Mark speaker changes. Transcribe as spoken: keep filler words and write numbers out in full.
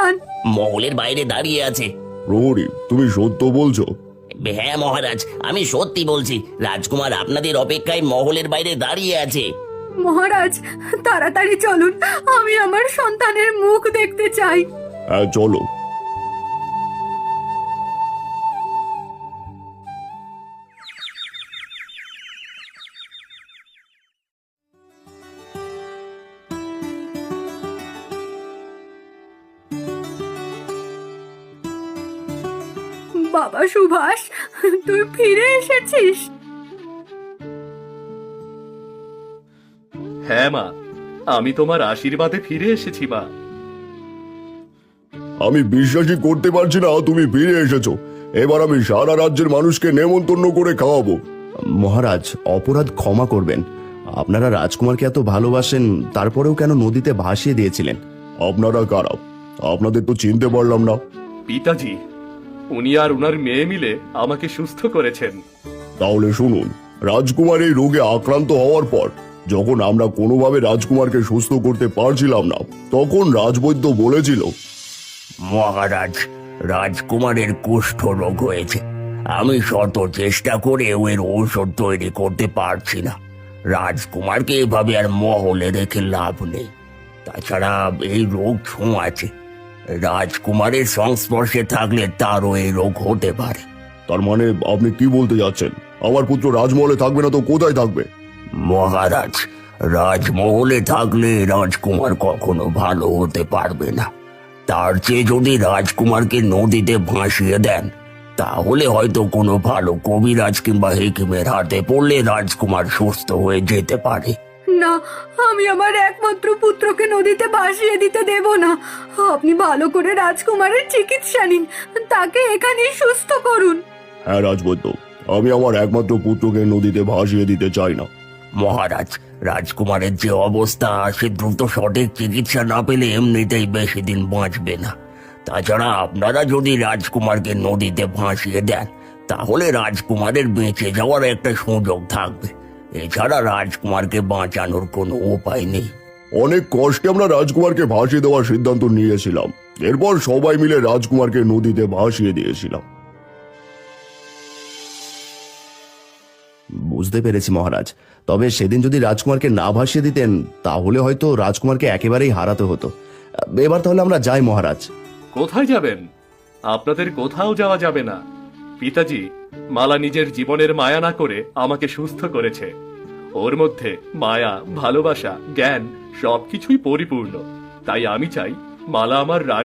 Speaker 1: সন্তান?
Speaker 2: মহলের বাইরে দাঁড়িয়ে আছে।
Speaker 3: প্রহরী, তুমি সত্য বলছো?
Speaker 2: হ্যাঁ মহারাজ, আমি সত্যি বলছি। রাজকুমার আপনাদের অপেক্ষায় মহলের বাইরে দাঁড়িয়ে আছে।
Speaker 1: মহারাজ, তাড়াতাড়ি চলুন, আমি আমার সন্তানের মুখ দেখতে চাই।
Speaker 3: হ্যাঁ, চলো।
Speaker 1: বাবা সুভাষ, তুই ফিরে এসেছিস?
Speaker 4: হ্যাঁ মা, আমি তোমার আশীর্বাদে ফিরে এসেছি মা।
Speaker 3: আমি বিশ্বাসই করতে পারছি না তুমি ফিরে এসেছো। এবার আমি সারা রাজ্যের মানুষকে নেমন্তন্ন করে খাওয়াবো।
Speaker 5: মহারাজ, অপরাধ ক্ষমা করবেন। আপনারা রাজকুমারকে এত ভালোবাসেন, তারপরেও কেন নদীতে ভাসিয়ে দিয়েছিলেন?
Speaker 3: আপনারা কারা? আপনাদের তো চিনতে পারলাম না।
Speaker 4: পিতাজি, উনি আর উনার মেয়ে মিলে আমাকে সুস্থ করেছেন।
Speaker 3: তাহলে শুনুন, রাজকুমার এই রোগে আক্রান্ত হওয়ার পর যখন আমরা কোনোভাবে রাজকুমারকে সুস্থ করতে পারছিলাম না, তখন রাজবৈদ্য বলেছিল,
Speaker 2: মহারাজ, রাজকুমারের কুষ্ঠ রোগ হয়েছে। আমি শত চেষ্টা করেও এর ঔষধ তৈরি করতে পারছি না। রাজকুমারকে এভাবে আর মহলে রেখে লাভ নেই। তাছাড়া এই রোগ ছোঁয়াছে। রাজকুমারের সংস্পর্শে থাকলে তারও এই রোগ হতে পারে।
Speaker 3: তার মানে আপনি কি বলতে যাচ্ছেন? আমার পুত্র রাজমহলে থাকবে না তো কোথায় থাকবে?
Speaker 2: মহারাজ, রাজমহলে থাকলে রাজকুমার কখনো ভালো হতে পারবে না। তার চেয়ে যদি রাজকুমারকে নদীতে ভাসিয়ে দেন, তাহলে হয়তো কোনো ভালো কবিরাজ কিংবা হেকিমের হাতে পড়লে রাজকুমার সুস্থ হয়ে যেতে পারে।
Speaker 1: না, আমি আমার একমাত্র পুত্রকে নদীতে ভাসিয়ে দিতে দেব না। আপনি ভালো করে রাজকুমারের চিকিৎসা নিন, তাকে এখানেই সুস্থ করুন।
Speaker 3: হ্যাঁ রাজবৈদ্য, আমি আমার একমাত্র পুত্রকে নদীতে ভাসিয়ে দিতে চাই না।
Speaker 2: মহারাজ, রাজকুমারের যে অবস্থা, সে দ্রুত সঠিক চিকিৎসা না পেলে এমনিতেই বেশি দিন বাঁচবে না। তাছাড়া আপনারা যদি রাজকুমারকে নদীতে ভাসিয়ে দেন, তাহলে রাজকুমারের বেঁচে যাওয়ার একটা সুযোগ থাকবে। এছাড়া রাজকুমারকে বাঁচানোর কোনো উপায় নেই।
Speaker 3: অনেক কষ্টে আমরা রাজকুমারকে ভাসিয়ে দেওয়ার সিদ্ধান্ত নিয়েছিলাম। এরপর সবাই মিলে রাজকুমারকে নদীতে ভাসিয়ে দিয়েছিলাম।
Speaker 5: বুঝতে পেরেছি মহারাজ। তবে সেদিন যদি রাজকুমারকে না ভাসিয়ে দিতেন, তাহলে হয়তো রাজকুমারকে একেবারেই হারাতে হতো। এবার তাহলে আমরা যাই মহারাজ।
Speaker 4: কোথায় যাবেন? আপনাদের কোথাও যাওয়া যাবে না। পিতাজি, মালা নিজের জীবনের মায়া না করে আমাকে সুস্থ করেছে। ওর মধ্যে মায়া, ভালোবাসা, জ্ঞান সবকিছুই পরিপূর্ণ। তাই আমি চাই মালা আমার